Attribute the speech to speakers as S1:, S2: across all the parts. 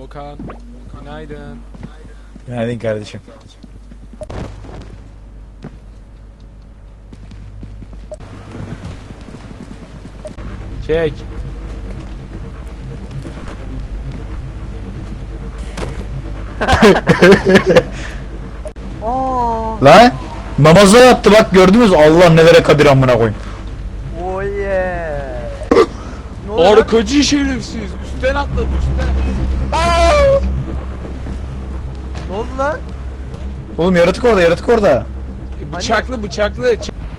S1: Okan, günaydın.
S2: Günaydın kardeşim.
S1: Çek.
S2: Lan namaza yattı bak gördünüz mü? Allah nelere kadir amına koyayım.
S3: Oh yeah. Ne oluyor lan?
S1: Arkacı şerefsiz. Üstten atladı üstten.
S3: Ne oldu lan?
S2: Oğlum yaratık orada, yaratık orada.
S1: Bıçaklı bıçaklı.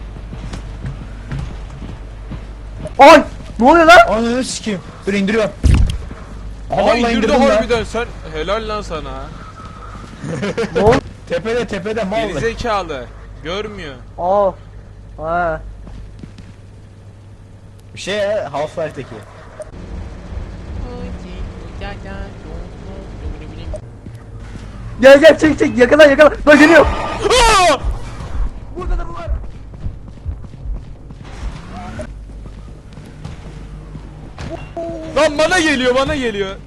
S3: Ay! Ne oluyor lan?
S2: Ananı sikeyim. Dur indiriyorum. Aha,
S1: Ay
S2: vallahi
S1: indirdi
S2: indirdim lan.
S1: harbiden sen. Helal lan sana.
S3: Ne oldu?
S2: Tepede mal.
S1: Gerizekalı. Görmüyor.
S3: Aa. Ha.
S2: Bir şey ya Half-Life'deki.
S3: Gel gel çek yakala yakala. Bak geliyor. Burada da var.
S1: Lan bana geliyor bana geliyor.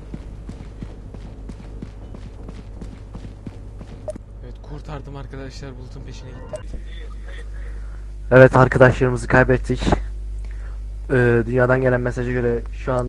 S1: Evet kurtardım arkadaşlar, Bulut'un peşine gittim.
S3: Evet arkadaşlarımızı kaybettik. Dünyadan gelen mesaja göre şu an